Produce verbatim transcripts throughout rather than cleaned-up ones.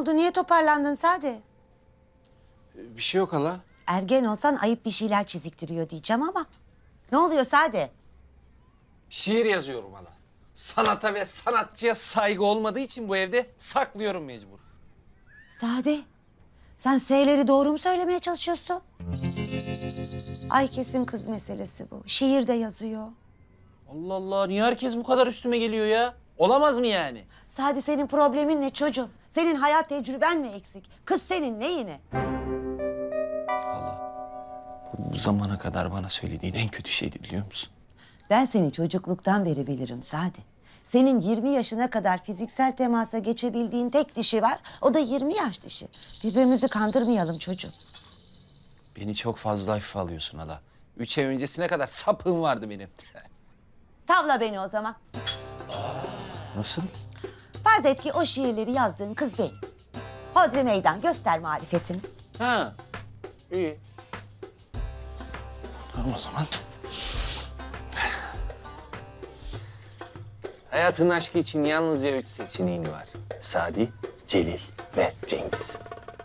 oldu? Niye toparlandın Sade? Bir şey yok hala. Ergen olsan ayıp bir şeyler çiziktiriyor diyeceğim ama. Ne oluyor Sade? Şiir yazıyorum hala. Sanata ve sanatçıya saygı olmadığı için bu evde saklıyorum mecbur. Sade, sen S'leri doğru mu söylemeye çalışıyorsun? Ay kesin kız meselesi bu. Şiir de yazıyor. Allah Allah, niye herkes bu kadar üstüme geliyor ya? Olamaz mı yani? Sade, senin problemin ne çocuğum? Senin hayat tecrüben mi eksik? Kız senin neyine? Hala, bu, bu zamana kadar bana söylediğin en kötü şeydi biliyor musun? Ben seni çocukluktan beri bilirim Sade. Senin yirmi yaşına kadar fiziksel temasa geçebildiğin tek dişi var. O da yirmi yaş dişi. Birbirimizi kandırmayalım çocuğum. Beni çok fazla hafife alıyorsun hala. Üç ay öncesine kadar sapığım vardı benim. Tavla beni o zaman. Nasıl? Farz et ki o şiirleri yazdığın kız benim. Hodri meydan, göster marifetini. Ha, iyi. Tamam o zaman. Hayatın aşkı için yalnızca üç seçeneğin var. Sadi, Celil ve Cengiz.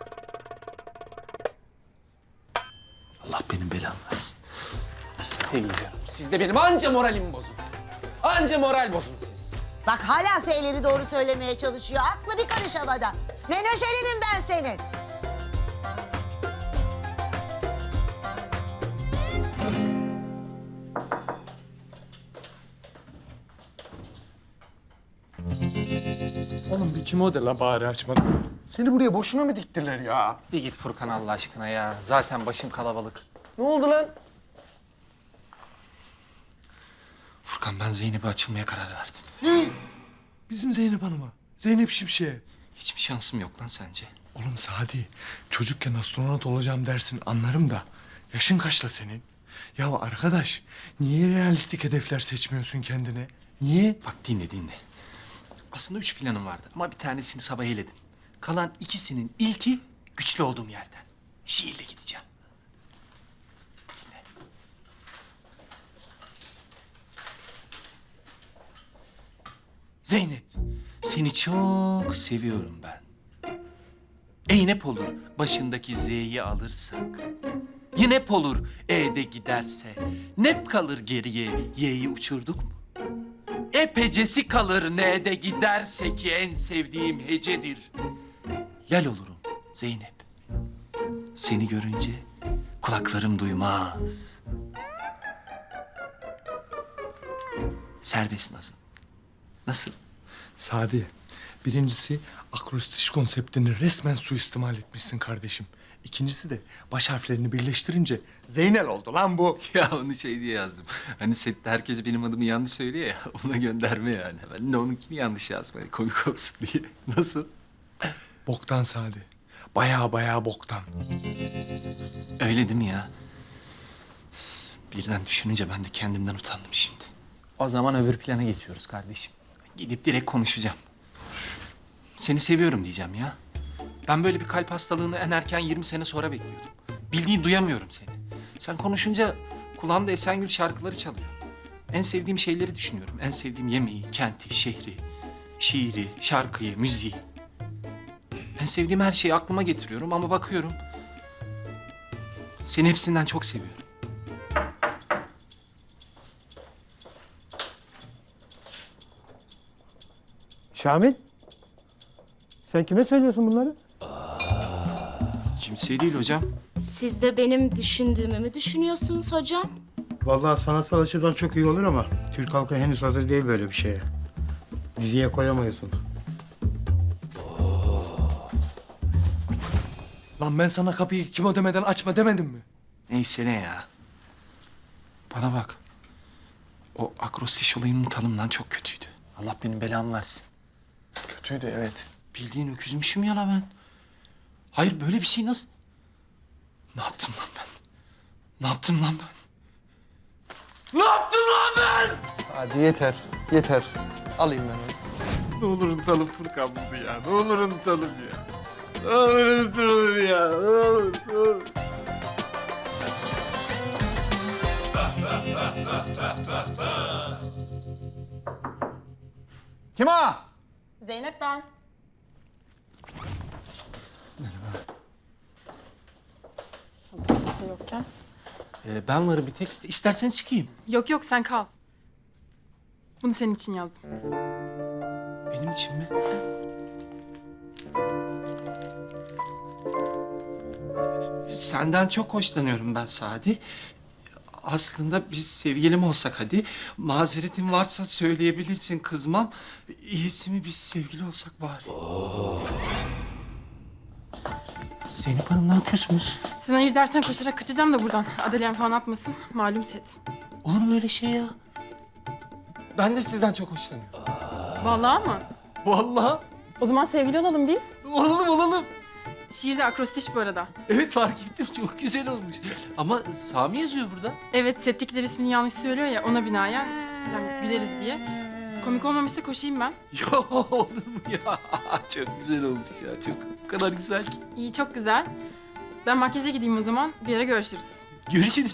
Allah benim belamı versin. Hastaneye gidiyorum. Siz de benim anca moralimi bozun. Anca moral bozun siz. Bak hala F'leri doğru söylemeye çalışıyor. Aklı bir karış havada. Menajerinim ben senin. Oğlum bir kim o de la bari açmadı. Seni buraya boşuna mı diktiler ya? Bir git Furkan Allah aşkına ya. Zaten başım kalabalık. Ne oldu lan? Furkan ben Zeynep'e açılmaya karar verdim. Bizim Zeynep Hanım'a. Zeynep Şimşek'e. Hiçbir şansım yok lan sence? Oğlum Sadi, çocukken astronot olacağım dersin anlarım da. Yaşın kaçla senin? Ya arkadaş, niye realistik hedefler seçmiyorsun kendine? Niye? Bak dinle dinle. Aslında üç planım vardı ama bir tanesini sabah eledim. Kalan ikisinin ilki güçlü olduğum yerden. Şiirle gideceğim. Dinle. Zeynep, seni çok seviyorum ben. Eynep olur başındaki Z'yi alırsak. Yinep olur E'de giderse. Nep kalır geriye Y'yi uçurduk mu? Epecesi kalır N'de giderse ki en sevdiğim hecedir. Yel olurum Zeynep. Seni görünce kulaklarım duymaz. Serbest nazım. Nasıl? Sadi, birincisi akrostiş konseptini resmen suistimal etmişsin kardeşim. İkincisi de baş harflerini birleştirince Zeynel oldu lan bu. Ya onu şey diye yazdım. Hani sette herkes benim adımı yanlış söylüyor ya. Ona gönderme yani. Ben de onunkini yanlış yazdım. Hani komik olsun diye. Nasıl? Boktan Sadi. Baya baya boktan. Öyle değil mi ya? Birden düşününce ben de kendimden utandım şimdi. O zaman öbür plana geçiyoruz kardeşim. Gidip direkt konuşacağım. Seni seviyorum diyeceğim ya. Ben böyle bir kalp hastalığını en erken yirmi sene sonra bekliyordum. Bildiğin duyamıyorum seni. Sen konuşunca kulağımda Esengül şarkıları çalıyor. En sevdiğim şeyleri düşünüyorum. En sevdiğim yemeği, kenti, şehri, şiiri, şarkıyı, müziği. En sevdiğim her şeyi aklıma getiriyorum ama bakıyorum. Seni hepsinden çok seviyorum. Şamil, sen kime söylüyorsun bunları? Kimseye değil hocam. Siz de benim düşündüğümü mü düşünüyorsunuz hocam? Vallahi sanatsal açıdan çok iyi olur ama Türk halkı henüz hazır değil böyle bir şeye. Diziye koyamayız bunu. Lan ben sana kapıyı kim o demeden açma demedim mi? Neyse ne ya. Bana bak. O akrostiş olayını unutalım lan, çok kötüydü. Allah benim belamı versin. Kötüydü evet. Bildiğin öküzmüşüm ya la ben. Hayır böyle bir şey nasıl? Ne yaptım lan ben? Ne yaptım lan ben? Ne yaptım lan ben? Hadi yeter, yeter. Alayım ben onu. Ne olur unutalım Furkan bunu ya. Ne olur unutalım ya. Ne olur unutalım ya. Ne olur, ne olur. Kim o? Zeynep ben. kimse yokken. Ee, ben varım bir tek. İstersen çıkayım. Yok yok sen kal. Bunu senin için yazdım. Benim için mi? Senden çok hoşlanıyorum ben Sadi. Aslında biz sevgilim olsak hadi. Mazeretin varsa söyleyebilirsin, kızmam. İyisi mi biz sevgili olsak bari. Zeynep Hanım ne yapıyorsunuz? Sen hayır dersen koşarak kaçacağım da buradan. Adelen falan atmasın. Malum set. Olur mu öyle şey ya? Ben de sizden çok hoşlanıyorum. Vallahi mı? Vallahi. O zaman sevgili olalım biz. Olalım olalım. Şiirde akrostiş bu arada. Evet fark ettim çok güzel olmuş. Ama Sami yazıyor burada. Evet settikler ismini yanlış söylüyor ya ona binaen yani güleriz diye. Komik olmamışsa koşayım ben. Ya olur mu ya? Çok güzel olmuş ya. Çok o kadar güzel ki. İyi çok güzel. Ben makyaja gideyim o zaman. Bir ara görüşürüz. Görüşürüz.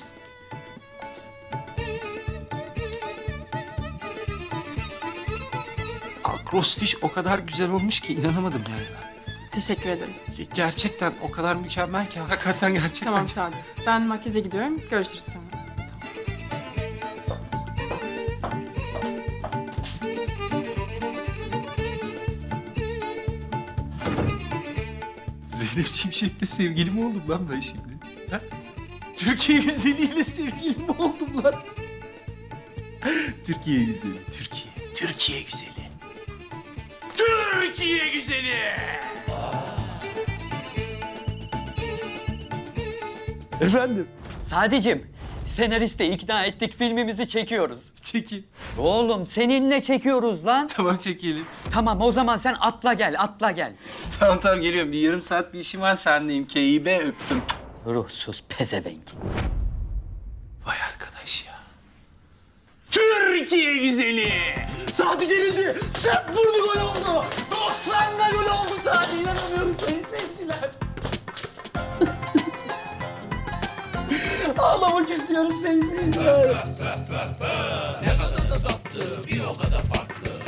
Akrostiş o kadar güzel olmuş ki inanamadım yani ben. Teşekkür ederim. Ge- Gerçekten o kadar mükemmel ki hakikaten gerçekten. Tamam Sadi. Ben makyaja gidiyorum. Görüşürüz sonra. Zeynep Şimşek'le sevgili mi oldum lan ben şimdi? Ha? Türkiye güzeliyle sevgili mi oldum lan? Türkiye güzeli, Türkiye. Türkiye güzeli. Türkiye güzeli! Efendim? Sadicim, senaristi ikna ettik, filmimizi çekiyoruz. Çekin. Oğlum seninle çekiyoruz lan. Tamam çekelim. Tamam o zaman sen atla gel, atla gel. Tamam tamam geliyorum. Bir yarım saat bir işim var sendeyim. K İ B öptüm. Ruhsuz pezevenk. Vay arkadaş ya. Türkiye güzeli. Sadi gelildi. Şep vurdu gol oldu. doksanda gol oldu Sadi. İnanamıyorum sayın seyirciler. Ağlamak istiyorum sayın seyirciler. Ne kadar da tatlı, bir o kadar farklı.